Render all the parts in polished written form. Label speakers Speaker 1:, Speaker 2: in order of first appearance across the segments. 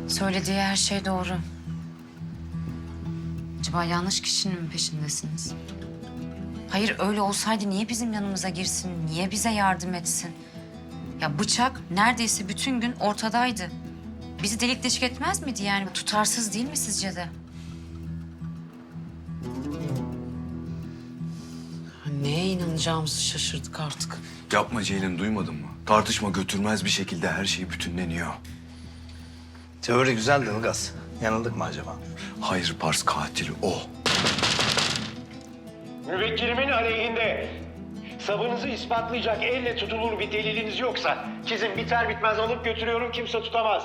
Speaker 1: Söylediği her şey doğru. Acaba yanlış kişinin mi peşindesiniz? Hayır, öyle olsaydı niye bizim yanımıza girsin? Niye bize yardım etsin? Ya bıçak neredeyse bütün gün ortadaydı. Bizi delik deşik etmez miydi yani? Tutarsız değil mi sizce de?
Speaker 2: Neye inanacağımızı şaşırdık artık.
Speaker 3: Yapma Ceylin, duymadın mı? Tartışma götürmez bir şekilde her şey bütünleniyor.
Speaker 4: Teori güzeldi Ilgaz. Yanıldık mı acaba?
Speaker 3: Hayır Pars, katil o.
Speaker 5: Müvekkilimin aleyhinde sabınızı ispatlayacak elle tutulur bir deliliniz yoksa sizin biter bitmez alıp götürüyorum, kimse tutamaz.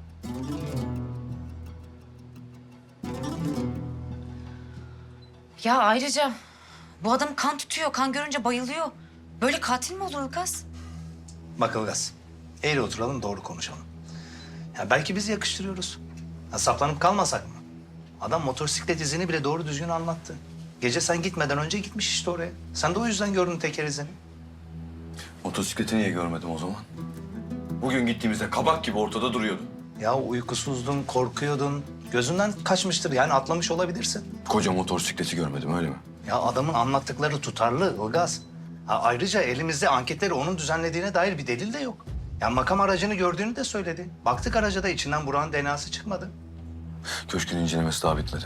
Speaker 1: Ya ayrıca bu adam kan tutuyor, kan görünce bayılıyor. Böyle katil mi olur Ilgaz?
Speaker 4: Bak Ilgaz, eğri oturalım doğru konuşalım. Ya belki biz yakıştırıyoruz. Ya saplanıp kalmasak mı? Adam motosiklet izini bile doğru düzgün anlattı. Gece sen gitmeden önce gitmiş işte oraya. Sen de o yüzden gördün teker izini.
Speaker 3: Motosikleti niye görmedim o zaman? Bugün gittiğimizde kabak gibi ortada duruyordu.
Speaker 4: Ya uykusuzdun, korkuyordun. Gözünden kaçmıştır yani atlamış olabilirsin.
Speaker 3: Koca motosikleti görmedim, öyle mi?
Speaker 4: Ya adamın anlattıkları tutarlı Ilgaz. Ha, ayrıca elimizde anketleri onun düzenlediğine dair bir delil de yok. Ya makam aracını gördüğünü de söyledi. Baktık araca da içinden Burak'ın DNA'sı çıkmadı.
Speaker 3: Köşkün incelemesi daha bitmedi.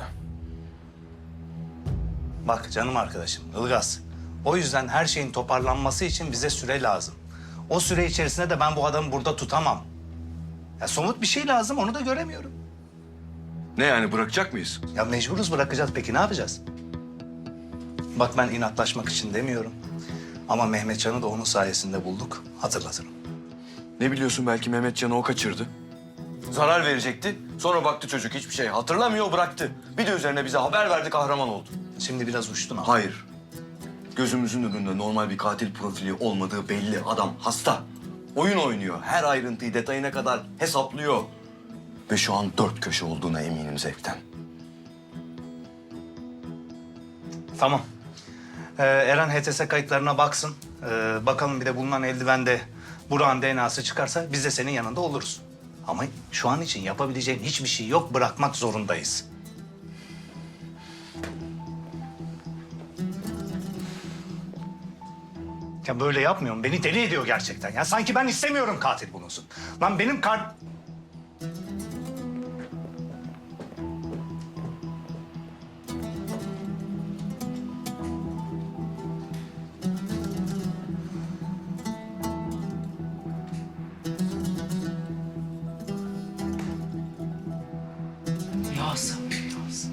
Speaker 4: Bak canım arkadaşım Ilgaz. O yüzden her şeyin toparlanması için bize süre lazım. O süre içerisinde de ben bu adamı burada tutamam. Ya somut bir şey lazım, onu da göremiyorum.
Speaker 3: Ne yani, bırakacak mıyız?
Speaker 4: Ya mecburuz, bırakacağız. Peki ne yapacağız? Bak ben inatlaşmak için demiyorum. Ama Mehmetcan'ı da onun sayesinde bulduk. Hatırlatırım.
Speaker 3: Ne biliyorsun, belki Mehmetcan'ı o kaçırdı. Zarar verecekti. Sonra baktı çocuk hiçbir şey hatırlamıyor, bıraktı. Bir de üzerine bize haber verdi, kahraman oldu.
Speaker 4: Şimdi biraz uçtun ama.
Speaker 3: Hayır. Gözümüzün önünde normal bir katil profili olmadığı belli. Adam hasta. Oyun oynuyor. Her ayrıntıyı detayına kadar hesaplıyor. Ve şu an 4 köşe olduğuna eminim zevkten.
Speaker 4: Tamam. Eren HTS kayıtlarına baksın. Bakalım bir de bulunan eldivende Burak'ın DNA'sı çıkarsa biz de senin yanında oluruz. Ama şu an için yapabileceğin hiçbir şey yok. Bırakmak zorundayız. Ya böyle yapmıyorum. Beni deli ediyor gerçekten. Ya sanki ben istemiyorum katil bulunsun. Lan benim
Speaker 2: Yaz. Yaz.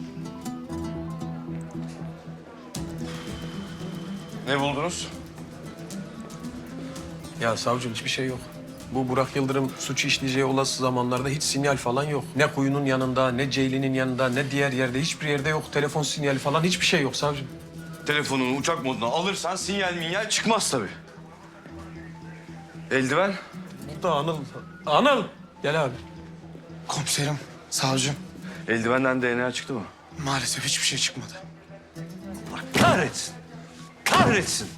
Speaker 3: Ne buldunuz?
Speaker 6: Ya savcım hiçbir şey yok. Bu Burak Yıldırım suçu işleyeceği olası zamanlarda hiç sinyal falan yok. Ne kuyunun yanında, ne Ceylin'in yanında, ne diğer yerde hiçbir yerde yok. Telefon sinyali falan hiçbir şey yok savcım.
Speaker 3: Telefonunu uçak moduna alırsan sinyal minyal çıkmaz tabii. Eldiven?
Speaker 6: Burada Anıl. Anıl! Gel abi.
Speaker 7: Komiserim, savcım.
Speaker 3: Eldivenden DNA çıktı mı?
Speaker 7: Maalesef hiçbir şey çıkmadı.
Speaker 3: Kahretsin. Kahretsin.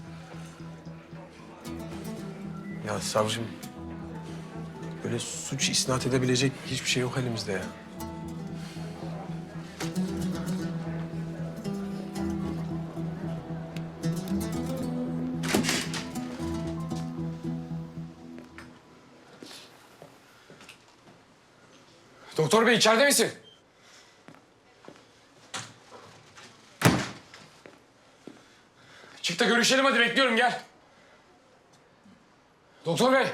Speaker 6: Ya savcım, böyle suç isnat edebilecek hiçbir şey yok elimizde ya.
Speaker 7: Doktor bey içeride misin? Çık da görüşelim hadi, bekliyorum gel. Doktor bey.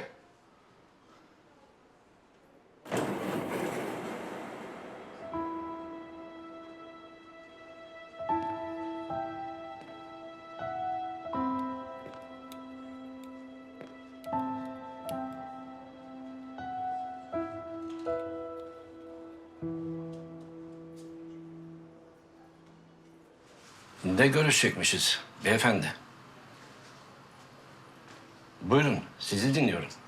Speaker 8: Ne görüşecekmişiz beyefendi? Buyurun, sizi dinliyorum.